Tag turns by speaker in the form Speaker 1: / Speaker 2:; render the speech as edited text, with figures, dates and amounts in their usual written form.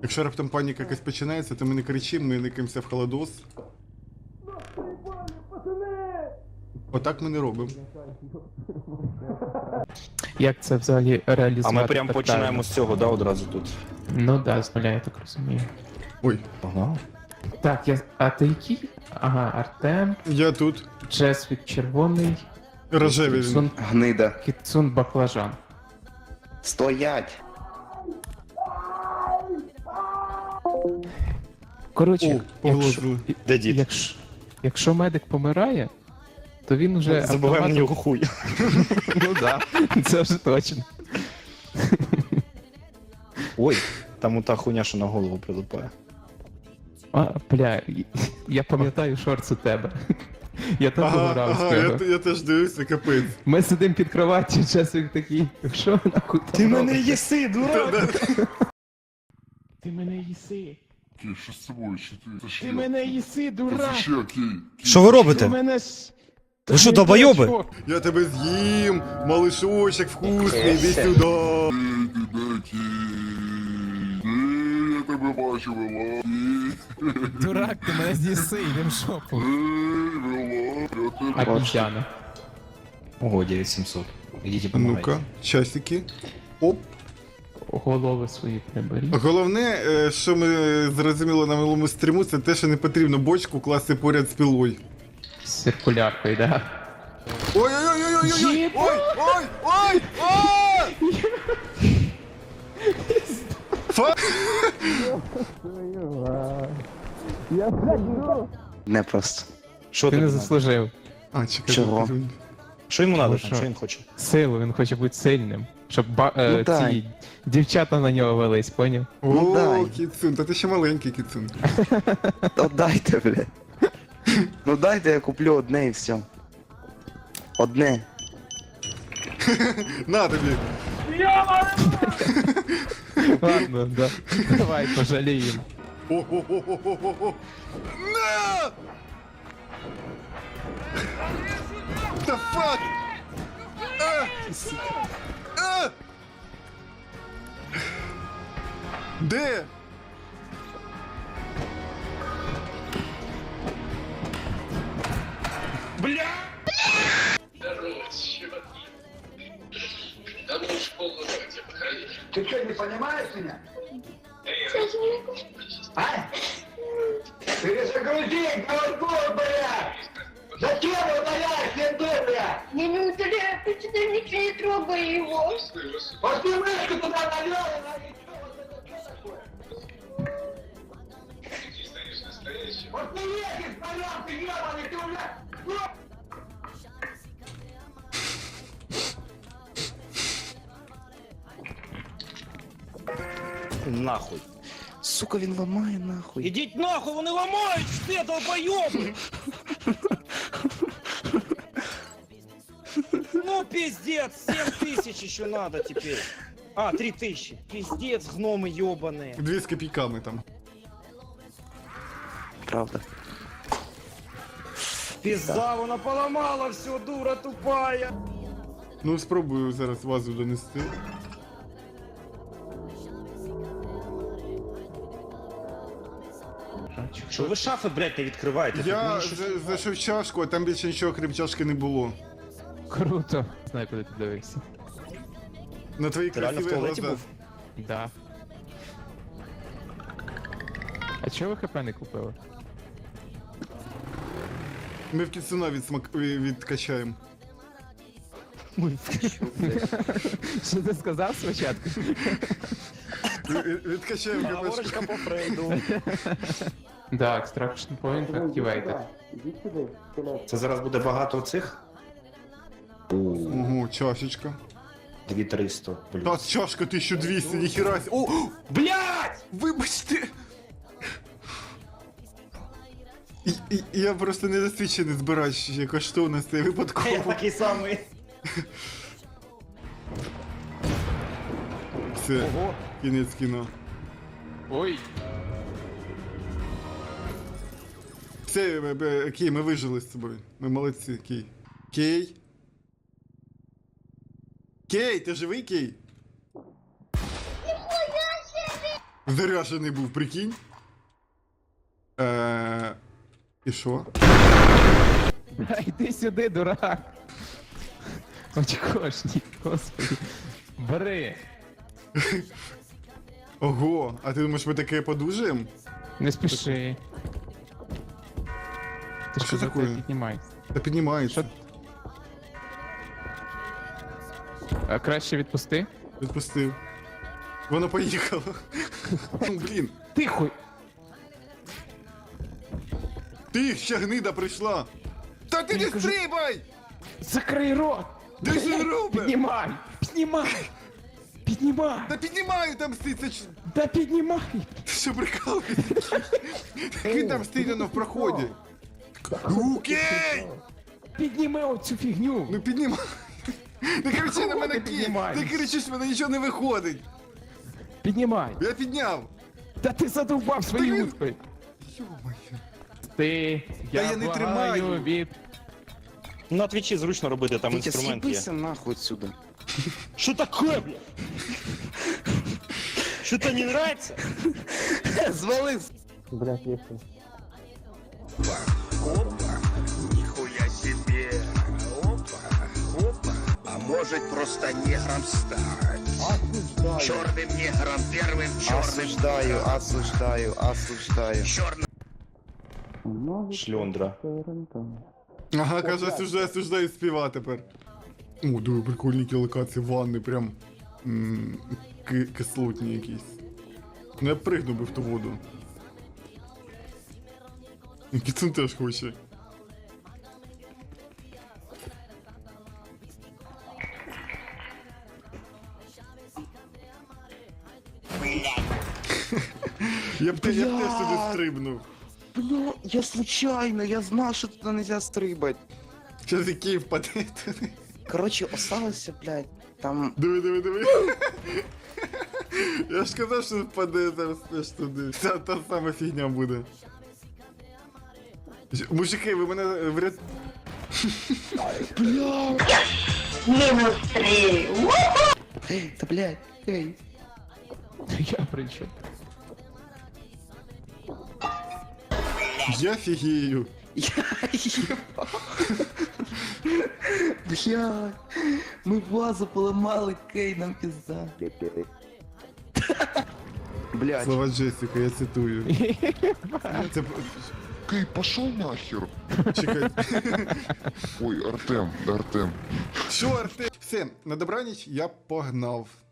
Speaker 1: Якщо раптом паніка якась починається, то ми не кричимо, ми никаємося в холодос. Отак ми не робимо.
Speaker 2: Як це взагалі реалізувати?
Speaker 3: А ми прям
Speaker 2: так
Speaker 3: починаємо
Speaker 2: правильно?
Speaker 3: з цього, да, одразу тут.
Speaker 2: Ну да, з нуля, я так розумію.
Speaker 1: Ой,
Speaker 3: Ага.
Speaker 2: Так, а ти який? Ага, Артем,
Speaker 1: я тут.
Speaker 2: Джесвік червоний,
Speaker 1: Рожевий він.
Speaker 2: Кіцун,
Speaker 4: Гнида.
Speaker 2: Кіцун баклажан.
Speaker 4: Стоять!
Speaker 2: Коротше,
Speaker 1: О, поголосили.
Speaker 3: Де дід?
Speaker 2: якщо медик помирає, то він уже
Speaker 3: Забуваємо на нього хуй.
Speaker 2: Ну да, це вже точно.
Speaker 3: Ой, там ота хуйня, що на голову прилипає.
Speaker 2: А, бля, я пам'ятаю шорт у тебе. Я так пограв з тебе.
Speaker 1: я теж дивився, капець.
Speaker 2: Ми сидимо під кроваттю, Джесвік такий, що нахуй ти робиш?
Speaker 3: їси, дурак!
Speaker 2: Ти мене їси.
Speaker 5: Кей, що з собою? Що ти? Це ще
Speaker 2: Ти мене їси, дурак.
Speaker 5: Це ще, Кей.
Speaker 6: Що ви робите?
Speaker 2: Ти мене...
Speaker 6: Ви що, долбойоби?
Speaker 1: Я тебе з'їм, малишочок вкусний, іди сюди.
Speaker 5: Кей, ти де, Кей? Кей, я тебе бачу, вела. Кей,
Speaker 7: Дурак, ти мене з'їси, йдем в шопу.
Speaker 5: вела, я тебе...
Speaker 2: Обіцяна.
Speaker 3: Ого, 9700. Ідіть і помагайте.
Speaker 1: Ну-ка, часики. Оп.
Speaker 2: Голови свої приберіть.
Speaker 1: Головне, що ми зрозуміли на минулому стріму, це те, що не потрібно бочку класти поряд з пилою.
Speaker 2: З циркуляркою, да?
Speaker 1: Ой-ой-ой-ой-ой-ой!
Speaker 2: Єба!
Speaker 1: Ой, ой, ой, ой! Фа...
Speaker 4: Не просто.
Speaker 3: Що
Speaker 2: Ти
Speaker 3: тобі
Speaker 2: не
Speaker 3: надо?
Speaker 2: заслужив.
Speaker 1: А, чекай.
Speaker 4: Чого?
Speaker 1: чекай.
Speaker 3: Що йому надо?
Speaker 2: що?
Speaker 3: Що він хоче?
Speaker 2: Силу, він хоче бути сильним. Щоб
Speaker 4: Ну, дай.
Speaker 2: ці дівчата на нього велись, поняв?
Speaker 1: О,
Speaker 4: дай.
Speaker 1: кіцун, та ти ще маленький кіцун.
Speaker 4: Та дайте, блядь. Ну дайте, я куплю одне і все. Одне.
Speaker 1: На тобі.
Speaker 2: Ладно, да. Давай пожаліємо.
Speaker 1: О-о-о-о-о-о. На! The fuck? А! А! Де?
Speaker 8: Ты что, не понимаешь меня? А? Перезагрузи, голову, блядь! Зачем удаляешь ленты, блядь?
Speaker 9: Я не удаляю, почему ничего не трогай его.
Speaker 8: Пошли мышку туда налево, и что Пошли ехать, пожалуйста, ебаный ты, блядь!
Speaker 3: Нахуй.
Speaker 4: Сука, він ламає нахуй.
Speaker 3: Ідіть нахуй, вони ламають все, долбойоби! Ну, пиздец, 7000 еще надо теперь. А, 3000. Пиздец, гномы ебаные.
Speaker 1: 2 з копійками там.
Speaker 4: Правда.
Speaker 3: Пизда, вона поломала все, дура тупая.
Speaker 1: Ну, спробую зараз вазу донести.
Speaker 3: Що ви шафи, блядь, не відкриваєте?
Speaker 1: Я зайшов чашку, а там більше нічого крім чашки не було.
Speaker 2: Круто. Знаю, куди ти дивився.
Speaker 1: На твої
Speaker 3: Ти реально в
Speaker 1: красиві
Speaker 3: туалеті
Speaker 1: глаза.
Speaker 3: був?
Speaker 2: Да. А чого ви ХП не купили?
Speaker 1: Ми в кіцуна відкачаємо.
Speaker 2: Що ти сказав спочатку?
Speaker 1: Відкачаємо ГПшку.
Speaker 3: Говорочка по Фрейду.
Speaker 2: Да, extraction point activated.
Speaker 3: Це зараз буде багато цих?
Speaker 1: Ого, чашечка.
Speaker 3: 2300
Speaker 1: Та
Speaker 3: плюс.
Speaker 1: чашка 1200, ніхіра. О,
Speaker 3: Блядь!
Speaker 1: вибачте! Я просто недосвідчений збирач коштовностей
Speaker 3: Я
Speaker 1: випадково.
Speaker 3: такий самий.
Speaker 1: Все,
Speaker 3: Ого.
Speaker 1: кінець кіно.
Speaker 2: Ой!
Speaker 1: Все, Кей, ми вижили з собою. Ми молодці, Кей. Кей? Кей, ти живий, Кей? Заряжений був, прикинь. І що?
Speaker 2: Бля, йди сюди, дурак. Очкошник, господи. Бери.
Speaker 1: Ого, а ти думаєш, ми таке подужаємо?
Speaker 2: Не спіши. Ти
Speaker 1: Що
Speaker 2: що за
Speaker 1: таке?
Speaker 2: піднімай.
Speaker 1: Та піднімається.
Speaker 2: А краще відпусти.
Speaker 1: Відпустив. Воно поїхало. Блін,
Speaker 2: Тихо!
Speaker 1: ти ще гнида прийшла. Та ти не стрибай!
Speaker 2: Закрий рот!
Speaker 1: Ти що робиш?
Speaker 2: Піднімай! Піднімай! Піднімай!
Speaker 1: Та піднімаю там стить, це ж-
Speaker 2: Да піднімай!
Speaker 1: ти що прикалуєшся? Він там стоїть воно в проході. Ну, окей!
Speaker 2: Підніми оцю фігню!
Speaker 1: Ну піднімай. Не кричи на мене
Speaker 2: ти
Speaker 1: кінь!
Speaker 2: піднімаєш?
Speaker 1: Ти кричиш, в мене нічого не виходить!
Speaker 2: Піднімай!
Speaker 1: Я підняв!
Speaker 2: Та ти задовбав свої
Speaker 1: він-
Speaker 2: утки!
Speaker 1: Йо-моє.
Speaker 2: Ти, я
Speaker 1: я не
Speaker 2: благаю
Speaker 1: тримаю.
Speaker 2: від...
Speaker 3: На твічі зручно робити, там
Speaker 4: Вітя,
Speaker 3: інструмент є.
Speaker 4: з'їбися нахуй отсюда.
Speaker 3: Що таке, бля? Що то не нравится?
Speaker 4: Звали.
Speaker 8: Нихуя себе. Опа, опа. А может просто негром стать? Черным негром, первым черным.
Speaker 4: Осуждаю.
Speaker 8: Черным.
Speaker 3: Шльондра.
Speaker 1: Ага, каже, осуждаю співа тепер. О, диви, прикольні ті локації, ванни, прям кислотні якісь. Ну я б пригнув би в ту воду. Кіцун теж хоче. Я б теж сюди стрибнув.
Speaker 4: Бля, я случайно, я знав, що туди нельзя стрибати.
Speaker 1: Щас який впаде туди.
Speaker 4: Короче, осталося, блядь, там...
Speaker 1: Диви. Я ж казав, що впаде зараз теж туди. Та сама фігня буде. Мужики, ви мене вряд...
Speaker 9: Минус 3.
Speaker 4: Та, блядь, ей.
Speaker 2: Я прийшов.
Speaker 1: Я фігію.
Speaker 4: Я їбав. Блядь, ми вазу поламали, Кей, нам пізда. Блядь.
Speaker 1: Слова Джесіка, я цитую. Це...
Speaker 5: Кей, пошел нахер.
Speaker 1: Чекай.
Speaker 5: Ой, Артем.
Speaker 1: Що, Артем? Все, на добраніч я погнав.